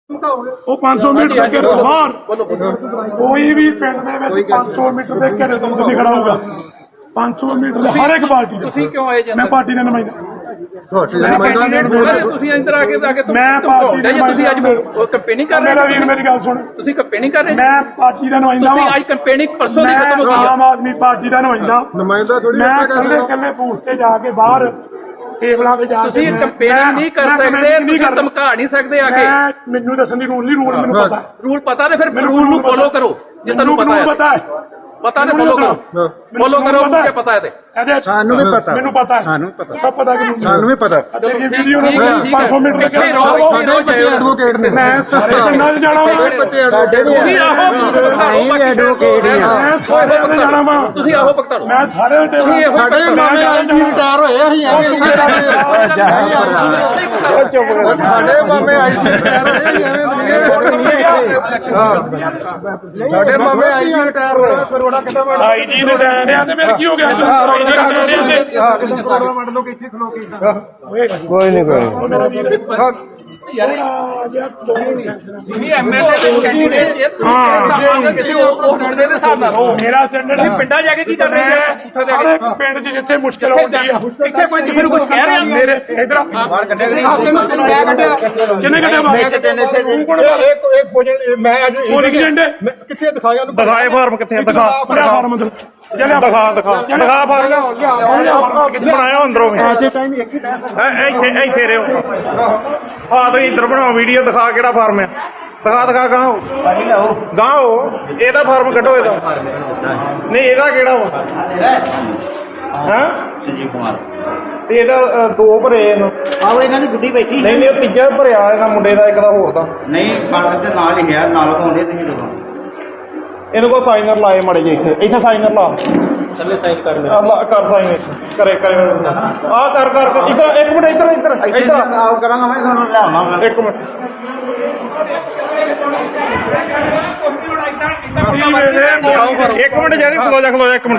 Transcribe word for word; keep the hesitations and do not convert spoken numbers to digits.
ਉਹ ਪੰਜ ਸੌ ਮੀਟਰ ਦੇ ਘੇਰੇ ਤੋਂ ਬਾਹਰ ਕੋਈ ਵੀ ਪਿੰਡ ਦੇ ਵਿੱਚ ਪੰਜ ਸੌ ਮੀਟਰ ਦੇ ਘੇਰੇ ਤੋਂ ਨਹੀਂ ਖੜਾ ਹੋਊਗਾ। ਪੰਜ ਸੌ ਮੀਟਰ ਦੇ ਹਰ ਇੱਕ ਪਾਰਟੀ ਤੁਸੀਂ ਕਿਉਂ ਆਏ ਜੀ? ਮੈਂ ਪਾਰਟੀ ਦਾ ਨੁਮਾਇੰਦਾ। ਤੁਸੀਂ ਅੰਦਰ ਆ ਕੇ ਆ ਕੇ ਮੈਂ ਪਾਰਟੀ ਦਾ ਤੁਸੀਂ ਅੱਜ ਕੰਪੇਨਿੰਗ ਕਰ ਰਹੇ ਮੇਰਾ ਵੀਰ ਮੇਰੀ ਗੱਲ ਸੁਣ, ਤੁਸੀਂ ਕੰਪੇਨਿੰਗ ਕਰ ਰਹੇ ਮੈਂ ਪਾਰਟੀ ਦਾ ਨੁਮਾਇੰਦਾ ਤੁਸੀਂ ਅੱਜ ਕੰਪੇਨਿੰਗ ਪਰਸੋਂ ਦੀ ਖਤਮ ਹੋ ਗਈ ਆਮ ਆਦਮੀ ਪਾਰਟੀ ਦਾ ਨੁਮਾਇੰਦਾ ਨੁਮਾਇੰਦਾ ਥੋੜੀ ਮੈਂ ਇਕੱਲੇ ਇਕੱਲੇ ਬੂਥ ਤੇ ਜਾ ਕੇ ਬਾਹਰ ਟੇਬਲਾਂ ਤੇ ਜਾ ਕੇ ਤੁਸੀਂ ਕੰਪੇਨਿੰਗ ਨਹੀਂ ਕਰ ਸਕਦੇ, ਤੁਸੀਂ ਧਮਕਾ ਨਹੀਂ ਸਕਦੇ ਆ ਕੇ। ਮੈਨੂੰ ਦੱਸਣ ਦੀ ਰੂਲ ਨਹੀਂ, ਰੂਲ ਮੈਨੂੰ ਪਤਾ ਰੂਲ ਪਤਾ ਤੇ ਫਿਰ ਰੂਲ ਨੂੰ ਫੋਲੋ ਕਰੋ ਜੇ ਤੁਹਾਨੂੰ ਪਤਾ ਹੈ। ਪਤਾ ਹੈ ਪਤਾ ਨੇ ਫੋਲੋ ਕਰੋ, ਫੋਲੋ ਕਰੋ ਮੁझे ਪਤਾ ਹੈ ਤੇ ਸਾਨੂੰ ਵੀ ਪਤਾ, ਮੈਨੂੰ ਪਤਾ, ਸਾਨੂੰ ਪਤਾ, ਸਭ ਪਤਾ ਕਿ ਸਾਨੂੰ ਵੀ ਪਤਾ। ਇਹ ਵੀਡੀਓ ਨੂੰ ਪੰਜ ਸੌ ਮੀਟਰ ਦੇ ਐਡਵੋਕੇਟ ਨੇ, ਮੈਂ ਸਾਰੇ ਪਿੰਡਾਂ 'ਚ ਜਾਣਾ ਵਾ, ਸਾਡੇ ਵੀ ਐਡਵੋਕੇਟ ਹੀ ਆ, ਮੈਂ ਸਾਰੇ ਪਿੰਡਾਂ ਜਾਣਾ ਵਾ, ਤੁਸੀਂ ਆਹੋ ਪਕਤਾ ਮੈਂ ਸਾਰੇ ਸਾਡੇ ਮਾਮੇ ਆਈ ਜੀ ਰਿਟਾਇਰ ਹੋਏ ਅਸੀਂ ਐਵੇਂ ਚੁੱਪ ਕਰ, ਸਾਡੇ ਮਾਮੇ ਆਈ ਜੀ ਰਿਟਾਇਰ ਹੋਏ ਐਵੇਂ ਸਾਡੇ ਮਾਮੇ ਆਈ ਜੀ ਰਿਟਾਇਰ ਹੋਏ ਆਈ ਜੀ ਰਿਟਾਇਰ ਆ ਤੇ ਫਿਰ ਕੀ ਹੋ ਗਿਆ? ਕੋਈ ਨਹੀਂ ਕੋਈ ਮੇਰਾ ਸਟੈਂਡਰਡ ਪਿੰਡਾਂ ਜਾ ਕੇ ਕੀ ਕਰ ਰਹੇ ਆ? ਪਿੰਡ 'ਚ ਜਿੱਥੇ ਮੁਸ਼ਕਿਲ ਆਉਂਦੀ ਆ ਇੱਥੇ ਕੋਈ ਕਿਸੇ ਨੂੰ ਕੁਝ ਕਹਿ ਰਿਹਾ ਮੇਰੇ ਇਧਰ ਕਿੰਨੇ ਘੰਟੇ ਬਾਅਦ ਮੈਂ ਅੱਜ ਕਿੱਥੇ ਦਿਖਾਇਆ ਉਹਨੂੰ? ਦਿਖਾਏ ਫਾਰਮ ਕਿੱਥੇ ਦਿਖਾ ਫਾਰਮ ਦਿਖਾ ਦਿਖਾ ਦਿਖਾ ਫਾਰਮ ਬਣਾਇਆ ਅੰਦਰੋਂ ਇੱਥੇ ਇੱਥੇ ਰਿਓ ਆ ਤੁਸੀਂ ਇੱਧਰ ਬਣਾਓ ਵੀਡੀਓ, ਦਿਖਾ ਕਿਹੜਾ ਫਾਰਮ ਆ, ਦਿਖਾ ਦਿਖਾ ਗਾਓ ਗਾਓ ਇਹਦਾ ਫਾਰਮ ਕੱਢੋ, ਇਹਦਾ ਨਹੀਂ ਇਹਦਾ ਕਿਹੜਾ ਵਾ? ਹਾਂ ਸੰਜੀਵ ਕੁਮਾਰ ਤੇ ਇਹਦਾ ਦੋ ਭਰੇ ਇਹਨੂੰ, ਆਹੋ ਇਹਨਾਂ ਦੀ ਗੁੱਡੀ ਬੈਠੀ ਨਹੀਂ ਨਹੀਂ ਉਹ ਤੀਜਾ ਭਰਿਆ ਇਹਦਾ ਮੁੰਡੇ ਦਾ, ਇੱਕ ਦਾ ਹੋਰ ਦਾ ਨਹੀਂ ਕਣਕ ਦੇ ਨਾਲ ਹੀ ਹੈ, ਨਾਲ ਪਾਉਂਦੇ ਤੁਸੀਂ ਦੇਖੋ ਇਹਨੂੰ ਕੋਈ ਸਾਈਨਰ ਲਾਏ ਮੜੇ ਜੇ, ਇੱਥੇ ਇੱਥੇ ਸਾਈਨਰ ਲਾ ਥੱਲੇ ਸਾਈਨ ਕਰ ਲੈ, ਕਰ ਸਾਈਨ ਕਰੇ ਕਰੇ ਆ ਕਰ ਕਰ ਇੱਧਰ ਇੱਕ ਮਿੰਟ ਇੱਧਰ ਇੱਧਰ ਇੱਧਰ ਆਓ ਕਰਾਂਗਾ ਮੈਂ ਤੁਹਾਨੂੰ ਲਿਆਉਣਾ ਇੱਕ ਮਿੰਟ ਇੱਕ ਮਿੰਟ ਜਾਨੀ ਖਲੋ ਜਾ ਖਲੋ ਜਾ ਇੱਕ ਮਿੰਟ